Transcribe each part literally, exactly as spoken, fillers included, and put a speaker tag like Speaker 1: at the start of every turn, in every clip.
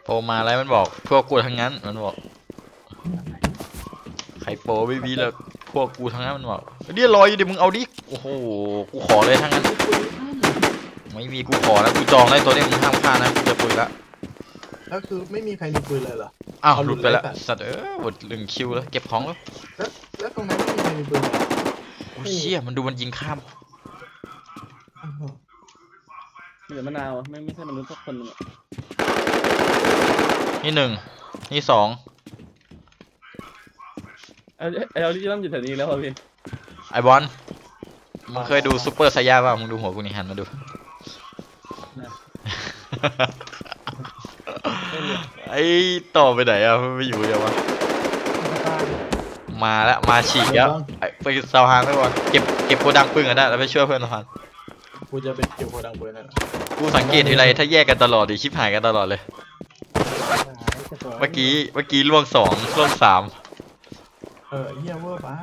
Speaker 1: โปรมาแล้วมันบอกพวกกูทั้งนั้นมันบอกใครโปรไม่มีแล้วพวกกูทั้งนั้นมันบอกเดี๋ยวรออยู่ดิมึงเอาดิโอ้โหกูขอเลยทั้งนั้นไม่มีกูขอแล้วกูจองได้ตัวนี้มึงห้ามพลาดนะกูจะปุยละ
Speaker 2: แล้วคือไม่มีใครมีปืนเลยเหรอ
Speaker 1: อ้าวหลุดไปแล้วสัตว์เออหมดหนึ่งคิวแล้วเก็บของแล้ว
Speaker 2: แล้วแล้วตรงนั้นไม่มีใครมีปืนเลย
Speaker 1: โอ้เชี่ยมันดูมันยิงข้าม
Speaker 3: เหลือมะนาวไม่ไม่ใช่มนุษย์สักคนนึง
Speaker 1: นี่หนึ่งนี่สอง
Speaker 3: เอาเอาที่เริ่มอยู่แถวนี้แล้วพี่
Speaker 1: ไอบอลมึงเคยดูซูเปอร์ไซย่าป่ะมึงดูหัวกูนี่หันมาดูไอ้ต่อไปไหนอะไม่อยู่ยังวะมาแล้วมาฉีกแล้วไปสะพานไปก่อนเก็บเก็บโกดังปืนกันได้แล้วไปช่วยเพื่อนสะพาน
Speaker 2: กูจะไปเก็บโกดังปืนนั่น
Speaker 1: กูสังเกตทีไรถ้าแยกกันตลอดดิชิบหายกันตลอดเลยเมื่อกี้เมื่อกี้ล่วงสองล่วงสาม
Speaker 2: เออเฮียเวอร์บ้า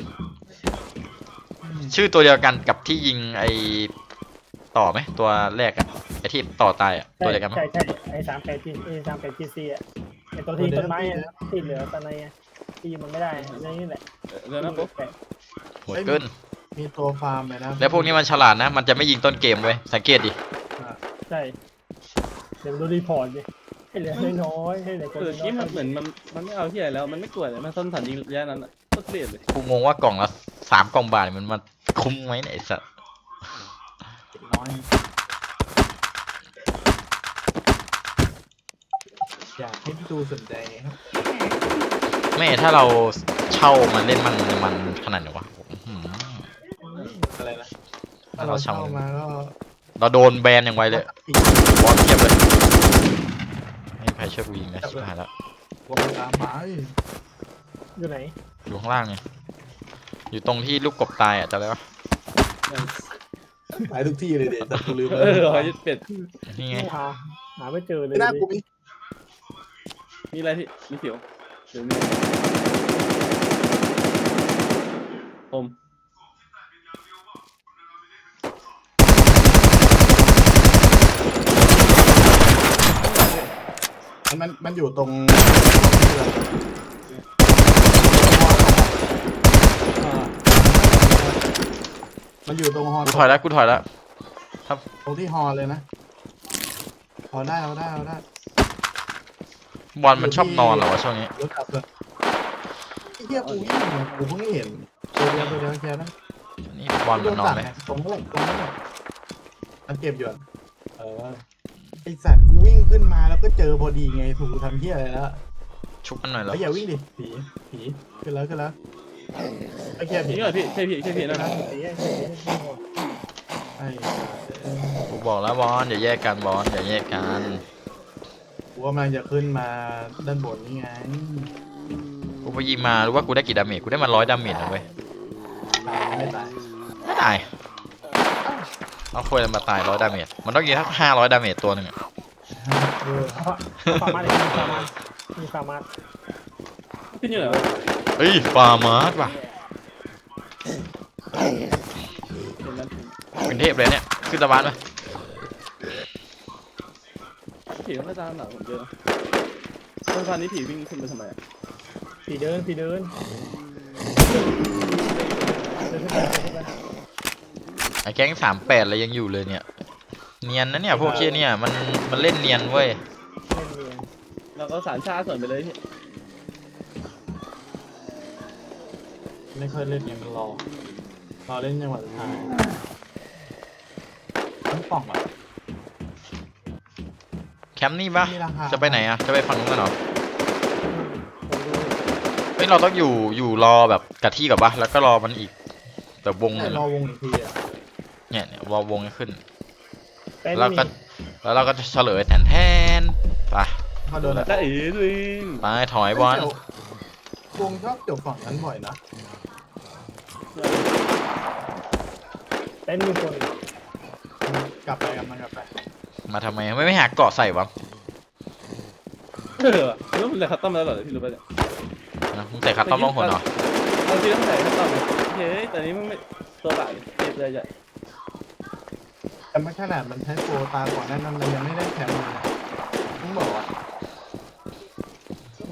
Speaker 1: ชื่อตัวเดียวกันกับที่ยิงไอต่อไหมตัวแรกอะไอที่ต่อตายอะตัวเดียวกันไหม
Speaker 4: ใช่ใช่ไอ้สามแปดจีไอ้สามแปดจีซีอะไอ้ตัวที่ต้นไม้ที่เหลือตอนในที่มันไม่ได้นี่แหละ
Speaker 3: เดี๋ยวนะปุ๊บ
Speaker 1: โหดเกิน
Speaker 2: มีตัวฟาร์มเลยนะ
Speaker 1: แล้วพวกนี้มันฉลาดนะมันจะไม่ยิงต้นเกมเว้ยสังเกตดิ
Speaker 4: ใช่เดี๋ยวดูรีพอร์ตดิให้เหลือน้อยให้เหลือ
Speaker 3: ตัวนี้มันเหมือนมันมันไม่เอาที่ไหนแล้วมันไม่กลัวเลยมันต้นฐานยิงระยะนั้นก็เกลียดเลย
Speaker 1: กูงงว่ากล่องละสามกล่องบาทมันมันคุ้มไหมเนี่ยไอ้สัส
Speaker 2: น้อยอยากให้พี่ดูสนใจครับ
Speaker 1: ไม่ถ้าเราเช่ามาเล่นมันมันขนาดไหนวะ
Speaker 2: อะไรนะ
Speaker 1: ถ้าเราเช่า
Speaker 2: มาก็
Speaker 1: เราโดนแบนอย่างไวเลยบอลเทียบเลยไม่ใครช่วยกูยิงนะชิบหายแล้ว
Speaker 2: วงตามไป
Speaker 4: อยู่ไหน
Speaker 1: อยู่ข้างล่างไงอยู่ตรงที่ลูกกบตายอ่ะจำได้ปะ
Speaker 2: ไปทุกที่เลยเด็ดแต่กูลืม
Speaker 3: เออหอยเป็ด
Speaker 1: นี่ไง
Speaker 4: หาหาไม่เจอเลย
Speaker 2: ไม่น่ากูมี
Speaker 3: มีอะไรที่มีเสียวเดี๋ยวมีผม
Speaker 2: มันมันอยู่ตรงมันอยู่ตรงฮอ
Speaker 1: กูถอยแล้วกูถอยแล้วครับ
Speaker 2: ตรงที่ฮอเลยนะฮอได้เอาได้เอาได้
Speaker 1: บอลมันชอบนอนเหรอวะช่วงนี้
Speaker 2: รถขับเลยไอ้เหี้ยกูยิ่งกูเพิ่งเห็นตัวเดียวตัวเดียวแค่นั้น
Speaker 1: นี่บอลมันนอนไหม
Speaker 2: ตรงนั้นตรงนั้นมันเก็บอยู่เออไอสัตว์กูวิ่งขึ้นมาแล้วก็เจอพอดีไงถูกทำเหี้ยอะไรแล้ว
Speaker 1: ชุบมันหน่อยเหรอ
Speaker 2: อย่าวิ่งดิผีผีขึ้นแล้วขึ้นแล้วไอ้แค่ผี
Speaker 3: นี่เหรอพี่ใช่พี่ใช่พี่นะครับ
Speaker 1: กูบอกแล้วบอลอย่าแยกกันบอลอย่าแยกกัน
Speaker 2: กูกำลังจะขึ้นมาด้านบนนี่ไง
Speaker 1: กูไปยิงมารู้ว่ากูได้กี่ดาเมจกูได้มาร้อยดาเมจนะเว้ย
Speaker 2: ไม่ตาย
Speaker 1: ไม่ตายเอาคุยมาตายร้อยดาเมจมันต้องยิงทั้งห้าร้อยดาเมจตัวหนึ่งอะ
Speaker 4: ฟาร์มาร์มีฟาร์มาร์มีฟาร์มาร์
Speaker 3: ขึ้นอยู่ไหน
Speaker 1: เฮ้ยฟาร์มาร์ว่ะเป็นเทพเลยเนี่ยขึ้นสะพานไหม
Speaker 3: ผีไม่ตามหลังผมเจอสะพานนี้ผีวิ่งขึ้นไปทำไม
Speaker 4: ผีเดินผีเดิน
Speaker 1: ไอ้แก๊งสามแปดอะไรยังอยู่เลยเนี่ยเนียนนะเนี่ยพวกเชี่ยเนี่ยมันมันเล่นเนียนเว้ย
Speaker 3: เราก็สารชาส่วนไปเลยพี่
Speaker 2: ไม่ค่อยเล่นยังรอรอเล่นจังหวะสุดท้ายทั้งป่องอ่ะ
Speaker 1: แคมป์นี่ปะจะไปไหนอะจะไปฝั่งนู้นกันเหรอเฮ้ยเราต้องอยู่อยู่รอแบบกะที่กับปะแล้วก็รอมันอีกแบบวง
Speaker 2: รอวงอีกทีอ่ะ
Speaker 1: เนี่ยเนี่ยวอลวงจะขึ้นแล้วก็แล้วเราก็จะเฉลยแทนแทนไป
Speaker 2: มาโดนอะไร
Speaker 3: เอ๋ด้วย
Speaker 1: ไปถอยบอล
Speaker 2: วงชอบจบฝั่งนั้นบ่อยนะ
Speaker 4: เต้นมีคน
Speaker 2: กลับไปกลับมากลับไป
Speaker 1: มาทำไมไม่ไม่หาเกาะใส่วะ
Speaker 3: เออแล้วมันใส่คัตตอมแล้วเหรอที่รู้ป่ะเนี่ย
Speaker 1: นะมึงใส่คัตตอมลงหัวเหรอ
Speaker 3: เอาที่ต้องใส่คัตตอมเฮ้ยแต่นี้มึงไม่ตัวแบบเจ็บเลยจ้ะ
Speaker 2: แต่ไม่ขนาดมันใช้โปรตาก่อนนั้นมันยังไม่ได้แคมป์เลยนะต้องบอกว่า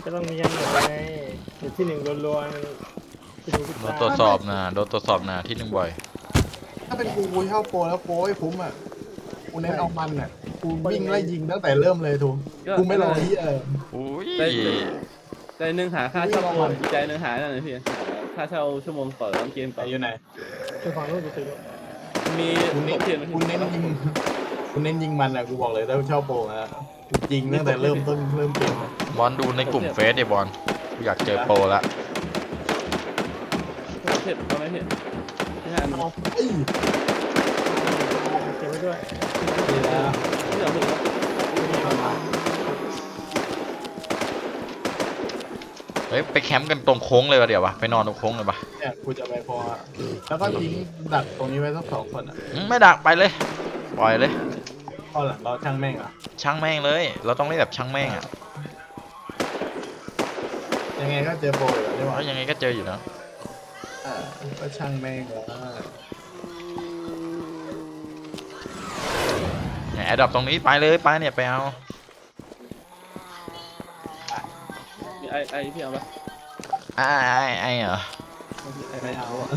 Speaker 4: ก็ต้องมีกันหมดไงเดี๋ยวที่หนึ่งรัวๆที่ดูพิ
Speaker 1: โด
Speaker 4: จาน
Speaker 1: ตรวจสอบนะโดนตรวจสอบนะที่หนึ่งบ่อย
Speaker 2: ถ้าเป็นกูกูเช่าโปรแล้วโปรให้คุ้มอ่ะกูเน้นเอามันอ่ะกูวิ่งไล่ยิงตั้งแต่เริ่มเลยทูกูไม่รอที่เออ
Speaker 1: อุ้ย
Speaker 3: ใจใจหนึ่งหาค่าเช่าก่อนอีกใจหนึ่งหานั่นเลยพี่ค่าเช่าชั่วโมงต่อเกม
Speaker 2: ไหน
Speaker 3: ต่อ
Speaker 2: อยู่ไหน
Speaker 4: คือฝั่งนู้นกูตื่น
Speaker 3: มี
Speaker 2: กูเน้น
Speaker 3: เทียน
Speaker 2: กูเน้นยิงกูเน้นยิงมันอ่ะกูบอกเลยถ้าเช่าโปรนะกูจริงตั้งแต่เริ่มต้นเริ่มเกม
Speaker 1: บอลดูในกลุ่มเฟซดิบอลกูอยากเจอโปรละ
Speaker 3: เทียนเอาไหมเทียนที่ห้า
Speaker 2: เอาเอ้ย
Speaker 4: เก็บไว้ด้วย
Speaker 2: ดีแล้ว
Speaker 3: ที่เราถึง
Speaker 1: เฮ้ยไปแคมป์กันตรงโค้งเลยวะเดี๋ยววะไปนอนตรงโค้งเลยปะ
Speaker 2: เนี่ยกูจะไปพออะแล้วก็ทิ้งดักตรงนี้ไว้สักสองคนอ่ะ
Speaker 1: อืมไม่ดักไปเลยปล่อยเลย
Speaker 2: พอหลังเราช่างแม่งอ่ะ
Speaker 1: ช่างแม่งเลย เราต้องเล่นแบบช่างแม่งอ่ะ
Speaker 2: ยังไงก็เจอโปรอยู่แล้ว
Speaker 1: เพราะยังไงก็เจออยู่นะ
Speaker 2: อ่าก็ช่างแม่งแล้ว
Speaker 1: เนี่ยแอดดอปตรงนี้ไปเลยไปเนี่ยไปเอา
Speaker 3: มีไอไอพี่เอาปะ
Speaker 1: ไอ้ไอ้ไอ้เหรอ
Speaker 3: ไอไอ
Speaker 2: ไม่เอาอะ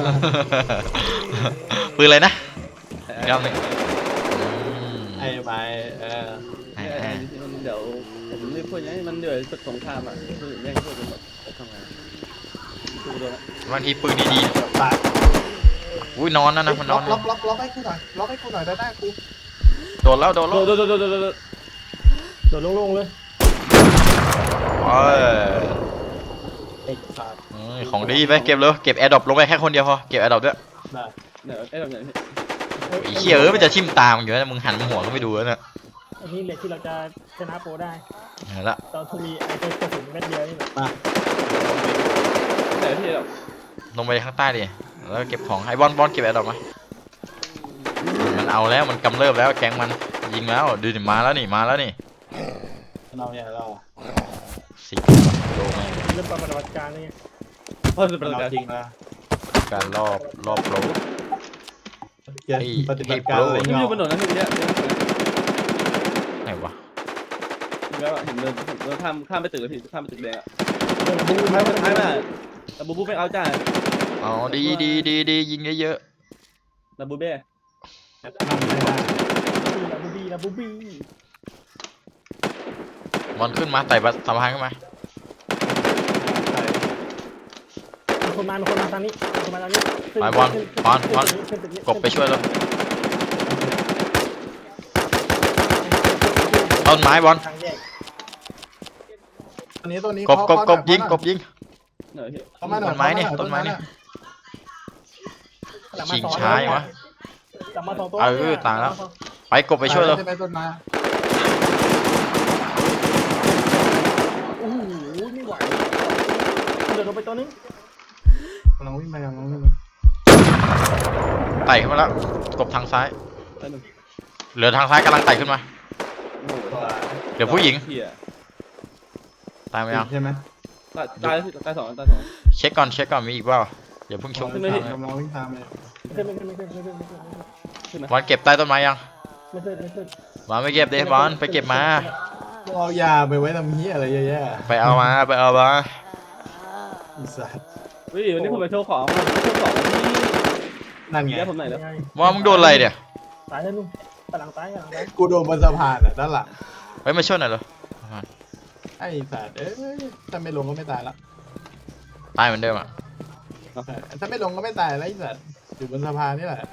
Speaker 1: ปืนอะไรนะ
Speaker 3: ไอ
Speaker 1: อีกรอบหนึ่งอืม
Speaker 2: ไอ้ไปเออ
Speaker 1: ไอ้
Speaker 3: ไอ
Speaker 1: ไอ้
Speaker 3: เดี๋ยวผมรีบพูดอย่างนี้มันเดือดศึกสงครามอ่ะคือแย่งพูดกันหมดทำไงดูดูนะ
Speaker 1: บางทีปืนดี
Speaker 2: เดี๋ยวตาย
Speaker 1: ๆอุ้ยนอนนะนะมันน
Speaker 2: ล็
Speaker 1: อ
Speaker 2: อน กล็อกล็อกล็อกให้กูหน่อยล็อกให้กูหน่อยได้ได้กู
Speaker 1: โดนแล้วโดน
Speaker 3: โด
Speaker 1: แล้ว
Speaker 3: ดโดดโดดโดดโดด
Speaker 4: โดดโล่งๆเลย
Speaker 1: เอ้ย
Speaker 2: ไอ้สัตว์
Speaker 1: อืมของดีไปเก็บเลยเก็บแอร์ดรอปลงไปแค่คนเดียวพอเก็บแอร์ดรอปด้วย
Speaker 2: ได้
Speaker 3: เนี่ยไอ้แบบไหนพี่
Speaker 1: ไอ้เหี้ยเอ้ยมันจะทิ่มตามอยู่นะมึงหันหัวก็ไม่ดูแล้วเนี่ย
Speaker 4: อันนี้เลยที่เราจะชนะโปรได้
Speaker 1: เห็นละ
Speaker 4: ตอนที่มีไอ้ตัวกระสุนเม็ดเดียวนี่แหละ
Speaker 2: มา
Speaker 3: ไหนพี่แบบ
Speaker 1: ลงไปข้างใต้ดิแล้วเก็บของไอ้บอลบอลเก็บแอร์ดรอปมามันเอาแล้วมันกำเริบแล้วแก๊งมันยิงแล้วดูดิมาแล้วนี่มาแล้วนี่
Speaker 2: เราเนี่ยเรา
Speaker 1: สิโลแม่ง
Speaker 4: เริ่มปฏิบัติการนี่ไง
Speaker 3: พอจะประ
Speaker 2: เรา
Speaker 3: กาศ
Speaker 2: จริงนะ
Speaker 1: การรอบรอบโล
Speaker 2: เกียร
Speaker 1: ไอ้
Speaker 2: ปฏิบัติการ
Speaker 1: ไอ้
Speaker 2: อะไร
Speaker 1: โปร
Speaker 3: พี่
Speaker 2: เงา
Speaker 3: อยู่บนถนนนะพี่เนี่ย
Speaker 1: ไหนวะ
Speaker 3: แล้วเห็นเดินเดินข้ามข้ามไปตึกพี่ข้ามไปตึกแดงอ่ะ
Speaker 4: เริ่ม
Speaker 3: บู
Speaker 4: บู๊
Speaker 3: บูไม่ไม่ไม่แต่บูบูไม่เอาจ้า
Speaker 1: อ๋อดีดีดีดียิงเยอะ
Speaker 3: แต่บูเบ้
Speaker 2: นั่งไม่ได้
Speaker 4: ลาบูบี้ลาบูบี้
Speaker 1: ๆบอลขึ้นมาไต่บัสสะพานขึ้นมา
Speaker 4: มีคนมามีคนมาทางนี้มีคนมาทางนี้ขึ้น
Speaker 1: ไปบอล
Speaker 4: ขึ้น
Speaker 1: บอลบอล
Speaker 4: ขึ้นตึนี้
Speaker 1: กบไปช่วยแล้วต้นไม้บอล
Speaker 4: ทางแยก
Speaker 2: ตัวนี้ตัวนี้
Speaker 1: กบกบกบยิงกบยิง
Speaker 3: เหนื่อยพี่
Speaker 2: เข้ามาหน่อย
Speaker 1: ต้นไม้เนี่ยต้นไม้เนี่ย
Speaker 4: หลังมา
Speaker 1: ชิง
Speaker 4: สอ
Speaker 1: ช้าอย่างวะ
Speaker 4: หลังมาสองตัว
Speaker 1: เออตายแล้ว ไปกบไปช่วยแล้ว
Speaker 2: ใช่ไหมต้นไม้
Speaker 4: โอ้โหไม่ไหวเดินลงไปตัวนึง
Speaker 2: กำลังวิ่งไปกำลังวิ่งไป
Speaker 1: ไต่ขึ้นมาแล้วกบทางซ้าย
Speaker 3: แล้วหนึ่ง
Speaker 1: เหลือทางซ้ายกำลังไต่ขึ้นมา
Speaker 3: โอ้โห
Speaker 2: ตัว
Speaker 1: เดี๋ยวผู้หญิง
Speaker 3: เหี้ย
Speaker 1: ตายไหมยัง
Speaker 2: ใช่ไหม
Speaker 3: ตายตายตายสองตายสอง
Speaker 1: เช็คก่อนเช็คก่อนมีอีกเปล่าอย่าเพิ่งชง
Speaker 3: ขึ้นไม่ได้
Speaker 2: กำลังวิ่งตามเลย
Speaker 4: ไม่ขึ้นไม่ขึ้นไม่ขึ้นไม่ขึ้นไม่ขึ้น
Speaker 3: ขึ้นนะ
Speaker 1: บอลเก็บใต้ต้นไม้ยัง
Speaker 4: ไม่ขึ้นไม่ขึ้น
Speaker 1: บอลไปเก็บเดบอลไปเก็บมา
Speaker 2: พวกเอายาไปไว้ทำเหี้ยอะไรเยอะแยะ
Speaker 1: ไปเอามาไปเอามา
Speaker 2: อีสัตว์
Speaker 3: เฮ้ยวันนี้ผมไปโชว์ของมาโชว์ของที่
Speaker 2: นั่นไง
Speaker 3: เดี๋ยวผมไหนแล้ว
Speaker 4: ยังไง
Speaker 1: บอลมึงโดนอะไรเนี่ย
Speaker 4: ตายแล้วนุ่มกำลังตายกำลังตาย
Speaker 2: กูโดนบนสะพานอ่ะด้านหลัง
Speaker 1: ไปมาช่วยหน่อยเหรอ
Speaker 2: ไอ้สัตว์เอ้ยถ้าไม่ลงก็ไม่ตายละ
Speaker 1: ตายเหมือนเดิมอ่ะ
Speaker 2: เออถ้าไม่ลงก็ไม่ตายแล้วไอ้สัตว์อยู่บนสะพานนี่แหละ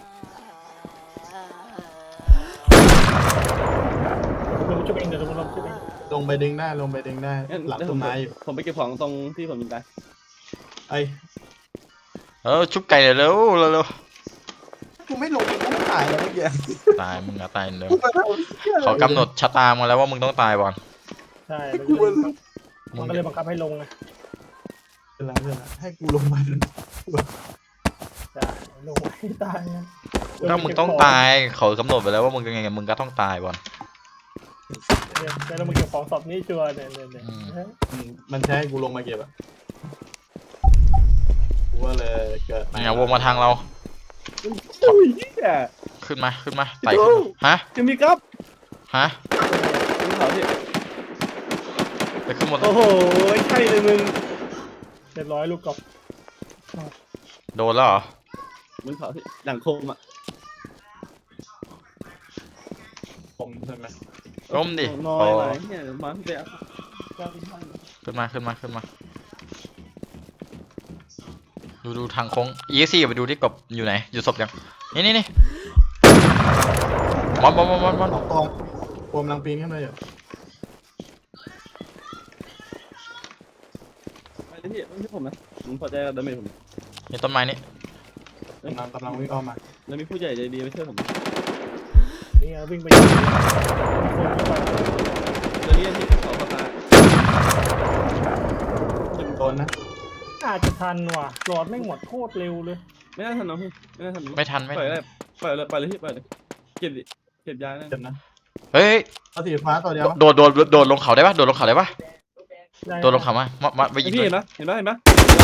Speaker 4: ลงชุบเองเดี๋ยวลงลงชุบเอง
Speaker 2: ลงไปดึงได้ลงไปดึงได้
Speaker 3: งั้น
Speaker 2: หลัง
Speaker 3: เดี๋ยวผ
Speaker 2: ต้
Speaker 3: ม
Speaker 2: นไม้อยู่
Speaker 3: ผมไปเก็บของตรงที่ผมยิงตาย
Speaker 2: ไอ้
Speaker 1: เออชุบไก่เร็วเร็วเร็ว
Speaker 2: กูไม่ลงกูไม่ตายแล้วเมื่อกี้
Speaker 1: ตายมึงอะตายเหมือนเดิม
Speaker 2: กูมาทำเหี้ยอะไร
Speaker 1: เขากำหนดชะตามาแล้วว่ามึงต้องตายบอล
Speaker 4: ใช่
Speaker 2: กูมา
Speaker 4: มันก็เลยบังคับให้ลงไง
Speaker 2: เป็นไรเป็นไรให้กูลงมา
Speaker 4: ใช่ลงให้ตายไง
Speaker 1: ถ้ามึงต้องตายเขากำหนดไปแล้วว่ามึงยังไงมึงก็ต้องตายบอล
Speaker 4: เดี๋ยวเดี๋ยวเรามาเก็บของสอบนี้ชัวร์เนี่ยเนี่ยเนี่ย
Speaker 1: อืม
Speaker 2: อืมมันใช้ให้กูลงมาเก็บอะกูว่าเลยเกิด
Speaker 1: เนี่ยวงมาทางเรา
Speaker 3: อุ้ยเหี้ย
Speaker 1: ขึ้นมาขึ้นมาไต่ขึ้นมาฮะ
Speaker 3: จะมีครับ
Speaker 1: ฮะ
Speaker 3: มีเขาที่
Speaker 1: ไปขึ้นหมดเล
Speaker 3: โอ้
Speaker 1: ย
Speaker 3: โหใช่เลยมึง
Speaker 4: เรียบร้อยลูกกบ
Speaker 1: โดนแล้วเหรอ
Speaker 3: มึงเผาที่หลังโคมอ่ะ
Speaker 2: ผมใช่ไหม
Speaker 1: ล้มดิ
Speaker 3: น้อ
Speaker 1: พอย
Speaker 3: ไหลเนี่ยมาพี่เป๊ะ
Speaker 1: ขึ้นมาขึ้นมาขึ้นมาดูดูทางโค้ง อี เอ็กซ์ ซี ไปดูที่กบอยู่ไหนอยู่ศพยังนี่นี่นี่บอลบอลบอลบอลบอล
Speaker 2: สองตรงผมกำลังปีนขึ้นมาอยู่
Speaker 3: ไปเลยพี่ไม่ใช่ผมนะผมพอใจกับดาเมจผม
Speaker 1: นี่ต้นไม้นี่
Speaker 2: กำลังกำลังวิ่งอ้อมมา
Speaker 3: แล้วมีผู้ใหญ่ใจดีไม่ช่วยผม
Speaker 4: นี่เอาวิ่งไปยิงคนเข้าไป
Speaker 3: เดี๋ยวนี้ที่เขาประกาศ
Speaker 2: โดนนะ
Speaker 4: อาจจะทันว่ะหลอดไม่งหมดโคตรเร็วเลย
Speaker 3: ไม่น่าทันน้องพี่ไม่น่าทัน
Speaker 1: ไม่ทันไม่
Speaker 3: ปล่
Speaker 1: ทั
Speaker 3: อย
Speaker 1: น
Speaker 3: เลยปล่อยเลยปล่อยเลยพี่ปล่อยเลยเก็บดิเก็บยานะ
Speaker 2: เจ็บนะ
Speaker 1: เฮ้ย
Speaker 2: เอาสีฟ้าตัวเดียว
Speaker 1: โดดโดดโดดลงเขาได้ปะโดดลงเขาได้ปะ
Speaker 4: ได้
Speaker 1: โดดลงเขามามามาไปยิง
Speaker 3: พี่
Speaker 1: เล
Speaker 3: เห็
Speaker 1: ย
Speaker 3: นปะเห็นปะเห็นปะ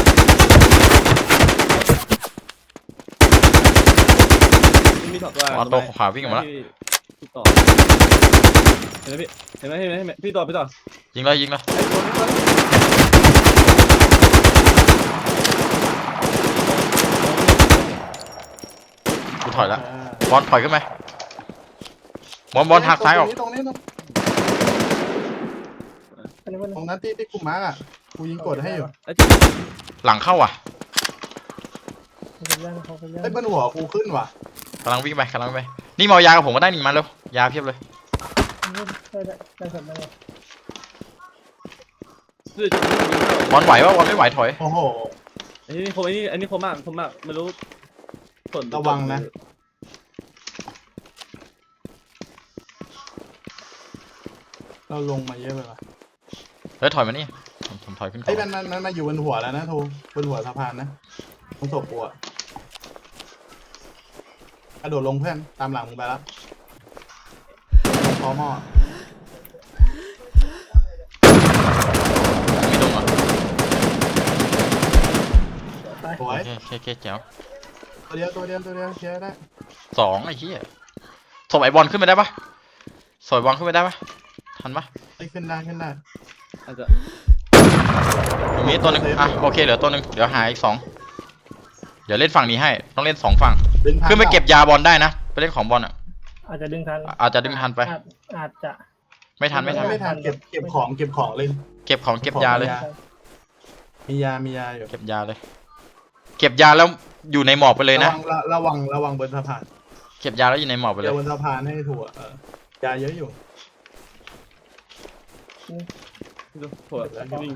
Speaker 3: มีถอดตัว
Speaker 1: อ๋อตัวขวาวิ่งออกมาแล้ว
Speaker 3: พี่ต่อเห็นไหมพี่เห็นไหมเห็นไหมเห็นไหมพี่ต่อพี่ต่อ
Speaker 1: ยิงเลยยิงเลย
Speaker 3: ไอ้ตัวนี้ตัวนี้
Speaker 1: กูถอยแล้ว
Speaker 2: อ่า
Speaker 1: บอลถอยขึ้นไหมบอลบอลหักซ้ายออก
Speaker 2: ตรงนี้ตรงนี้
Speaker 4: อันนี้มัน
Speaker 2: ตรงนั้นที่ที่กูมาร์กอ่ะกูยิงกดให้อยู่
Speaker 3: ไอ้ที่
Speaker 1: หลังเข้าอ่ะ
Speaker 4: เขาไปย่างเขาไปย่าง
Speaker 2: ไอ้ยบนหัวกูขึ้นว่ะ
Speaker 1: กำลังวิ่งไปกำลังวิ่งไปนี่มาเอายากับผมก็ได้นี่มาเร็วยาเพียบเลย
Speaker 4: ได้ได้ได้สดได้เลย
Speaker 3: คือจะ
Speaker 1: บอลไหวปะบอลไม่ไหวถอย
Speaker 2: โอ้โห
Speaker 3: ไอ้นี่คมไอ้นี่ไอ้นี่คมมากคมมากไม่รู้ผล
Speaker 2: ระวังนะ เราลงมาเยอะไปว่ะ
Speaker 1: เฮ้ยถอยมานี่ผมผมถอยขึ้น
Speaker 2: ไอ้
Speaker 1: เขา
Speaker 2: ยมันมันมันมาอยู่บนหัวแล้วนะทูบนหัวสะพานนะตรงศพกูอ่ะกระโดดลงเพื่อนตามหลังมึงไปแล้วคอหม้อ
Speaker 1: ไม่ลงอ่ะ
Speaker 4: ตาย
Speaker 2: สวย
Speaker 1: โอเคโอเคโอเคแจ๋ว
Speaker 2: ตัวเดียวตัวเดียวตัวเดียวเคลียร์ได้
Speaker 1: สองไอ้เหี้ยศพไอ้บอลขึ้นไปได้ปะศพไอ้บอลขึ้นไปได้ปะทันปะ
Speaker 2: ไอ้ขึ้นได้ขึ้นได้
Speaker 3: อาจจะ
Speaker 1: ตรงนี้ตัวหนึงอ่ะโอเคเหลือตัวหนึงเดี๋ยวหาอีกสองเดี๋ยวเล่นฝั่งนี้ให้ต้องเล่นสองฝั่ง
Speaker 2: ดึงทาง
Speaker 1: ขึ้นไปเก็บยาบอลได้นะไปเล่นของบอลอ่ะ
Speaker 4: อาจจะดึงทัน
Speaker 1: อาจจะดึงทันไป
Speaker 4: อาจอาจจะ
Speaker 1: ไม่ทันไม่ทัน
Speaker 2: ไม่ทันเก็บเก็บของเก็บของเลย
Speaker 1: เก็บของเก็บยาเลย
Speaker 2: มียามียาอยู่
Speaker 1: เก็บยาเลย เก็บยาแล้วอยู่ในหมอกไปเลยนะ
Speaker 2: ระวังระระวังระวังบนสะพาน
Speaker 1: เก็บยาแล้วอยู่ในหมอกไปเล
Speaker 2: เดี๋ย
Speaker 1: ยว
Speaker 2: บนสะพานให้ถั่วเออยาเยอะอยู่
Speaker 3: ดูโผล่วิ่ง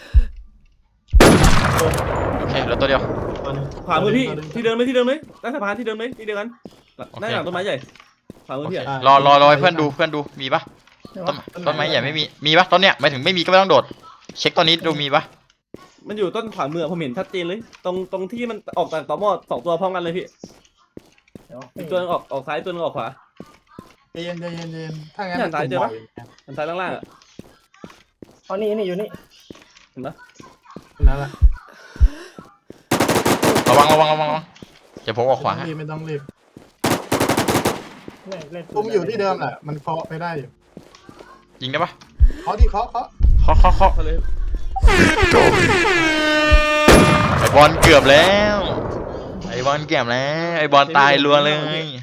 Speaker 1: โอเคเหลือตัวเดียว
Speaker 2: ตัวหนึ่ง
Speaker 3: ขวามือพี่
Speaker 2: ตัวหนึ่ง
Speaker 3: ที่เดินไหมที่เดินไหมใต้สะพานที่เดินไหมที่เดียวกันได้หลังต้นไม้ใหญ่ขวามือ
Speaker 1: โอเค
Speaker 3: พี่อ่ะ
Speaker 1: รอรอรอให้เพื่อนดูเพื่อนดูมีปะต้นต้นไม้ใหญ่ไม่มีมีปะต้นเนี้ยหมายถึงไม่มีก็ไม่ต้องโดด เช็คตอนนี้ดูมีปะ
Speaker 3: มันอยู่ต้นขวามือผมเห็นชัดเจนเลย ตรงตรงที่มันออกจากต่อหม้อสองตัวพร้อมกันเลยพี่
Speaker 4: เดี๋ยว
Speaker 3: อีกตัวนึงออกออกซ้ายตัวนึงออกขวา
Speaker 2: ใจเย็นใจเย็นใจเย็นถ้างั้น
Speaker 3: เนี่ยสายเจอปะ
Speaker 2: ตุ่มบ่อย
Speaker 3: อันซ้ายล่างๆอ่ะ
Speaker 4: อ๋อนี่นี่อยู่นี่
Speaker 3: เห็นปะ
Speaker 2: นั่นแหละ
Speaker 1: ระวังระวังระวังระวังเดี๋ยวผมออกขวา
Speaker 2: ไม่
Speaker 1: ให้
Speaker 2: ต้องรีบไม่ต้องรีบ
Speaker 4: เล่นเล่น
Speaker 2: ตุ้มอยู่ที่เดิมแหละมันเคาะไปได้อยู่
Speaker 1: ยิงได้ปะ
Speaker 2: เคาะที่เคาะเคาะ
Speaker 1: เคาะเคาะเคาะ
Speaker 3: เขาเลย
Speaker 1: ไอบอลเกือบแล้วไอบอลเกือบแล้วไอบอลตายรัวเลย